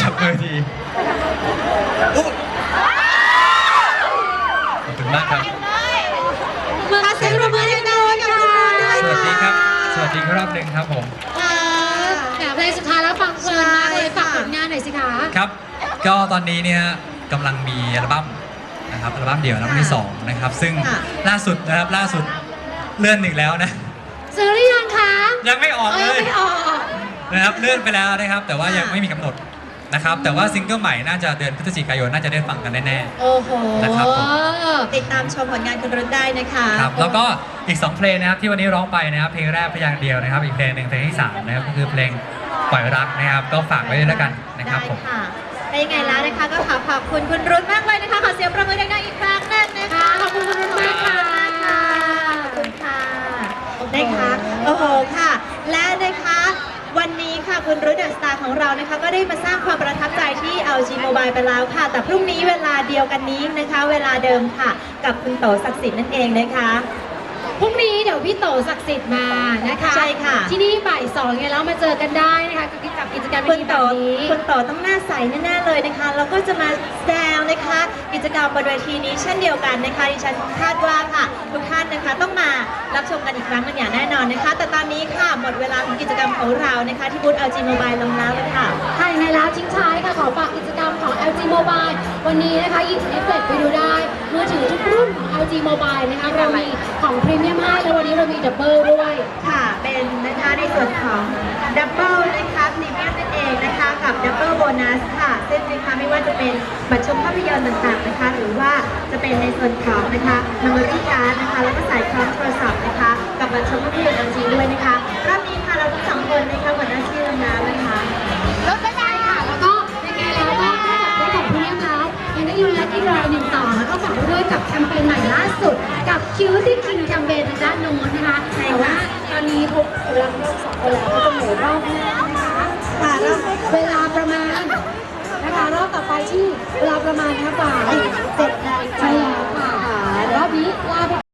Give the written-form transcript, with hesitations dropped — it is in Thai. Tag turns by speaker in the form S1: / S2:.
S1: จับมือทีขอบคุณมากครับ
S2: มาเสียงปรบมือให้กับคุณรุ่นด้วย
S1: สวัสดีครับ สวัสดีรอบหนึ่งครับผม
S2: เพลงสุดท้ายแล้วฟังเพลินมากเลยฝากผลงานหน่อยสิคะ
S1: ครับ ก็ตอนนี้เนี่ยกำลังมีอัลบั้มนะครับอัลบั้มเดี่ยวอัลบั้มที่2นะครับซึ่งล่าสุดเลื่อนอีกแล้วนะ
S2: ซื้อหรือยังคะ
S1: ยังไม่ออกเลย
S2: ไม่ออก
S1: นะครับเลื่อนไปแล้วนะครับแต่ว่ายังไม่มีกำหนดนะครับแต่ว่าซิงเกิลใหม่น่าจะเดือนพฤศจิกายนน่าจะได้ฟังกันแน่ๆ
S2: โอ้โห
S1: นะครับผม
S3: ติดตามชมผลงานคุณรุ่นได้นะคะ
S1: ครับแล้วก็อีก2เพลงนะครับที่วันนี้ร้องไปนะครับเพลงแรกพยางค์เดียวนะครับอีกเพลงหนึ่งเพลงที่3นะครับก็คือเพลงปล่อยรักนะครับก็ฝากไว้ด้วยแล้วกันนะครับผม
S3: ได้ค่ะได้ยังไงแล้วนะคะก็ขอบคุณคุณรุ่นมากเลยนะคะขอเสียงประมือดังๆอีกครั้งหนึงนะคะ
S2: ขอบคุณคุณรุ่นมากค่ะ
S3: ขอบคุณค่ะนะคะโอ้โหค่ะ และนะคะวันนี้ค่ะคุณรุ่นเดอะสตาร์ของเรานะคะก็ได้มาสร้างความประทับใจที่ LG Mobile ไปแล้วค่ะ แต่พรุ่งนี้เวลาเดียวกันนี้นะคะ เวลาเดิมค่ะ กับคุณโตศักดิ์สิทธิ์นั่นเองนะคะ
S2: พรุ่งนี้เดี๋ยวพี่โตศักดิ์สิทธิ์มานะคะ
S3: ใช่ค่ะ
S2: ที่นี่บ่าย2ไงแล้วมาเจอกันได้นะคะกับกิจกรรม
S3: คุณ
S2: ดีๆ
S3: โต
S2: แบบนี้
S3: คุณโตต้องหน้าใสแน่ๆเลยนะคะแล้วก็จะมาแซวนะคะกิจกรรมบนเวทีนี้เช่นเดียวกันนะคะดิฉันคาดว่าค่ะทุกท่านนะคะต้องมารับชมกันอีกครั้งหนึงอย่างแน่นอนนะคะ แต่ตอนนี้ค่ะหมดเวลาของกิจกรรมของเรานะคะที่บูธ LG Mobile ลงแล้วเลยค่ะ
S2: ค่ะยังไงแล้วทิ้งท้ายค่ะขอฝากกิจกรรมของ LG Mobile วันนี้นะคะหยิบแท็บเล็ตไปดูได้มือถือทุกรุ่นของ LG Mobile นะคะเรามีของพรีเมียมให้แล้ววันนี้เรามีดับเบิลด้วย
S3: ค่ะเป็นนะคะในส่วนของดับเบิลนะคะพรีเมียมนั่นเองนะคะกับดับเบิลโบนัสค่ะซึ่งนะคะไม่ว่าจะเป็นบัตรชมภาพยนตร์ต่างๆนะคะหรือว่าจะเป็นในส่วนของนะคะเมมโมรี่การ์ดนะคะแล้วก็สายคล้องโทรศัพท์นะคะกับบัตรชมภาพยนตร์ LG ด้วยนะคะรอบนี้ค่ะเราทั้งสองคนนะคะหัวหน้าที่ลงน้ำนะคะ
S2: ลดได้ค่ะ แล้วก็ยังไงแล้วก็นอกจากได้ของพรีเมียมแล้วยังได้ยูนและที่รอยหนึ่งต่อแล้วก็ฝากไว้ด้วยกับแคมเปญใหม่ล่าสุดกับคิวที่คิงแคมเปญทางด้านโน้นนะคะแต่ว่าตอนนี้ทุกกำลังรอบ2คนแล้วก็จะเหลือรอบแรกนะคะ
S3: ค่ะ
S2: เวลาประมาณนะคะรอบต่อไปที่เวลาประมาณนะคะบ่าย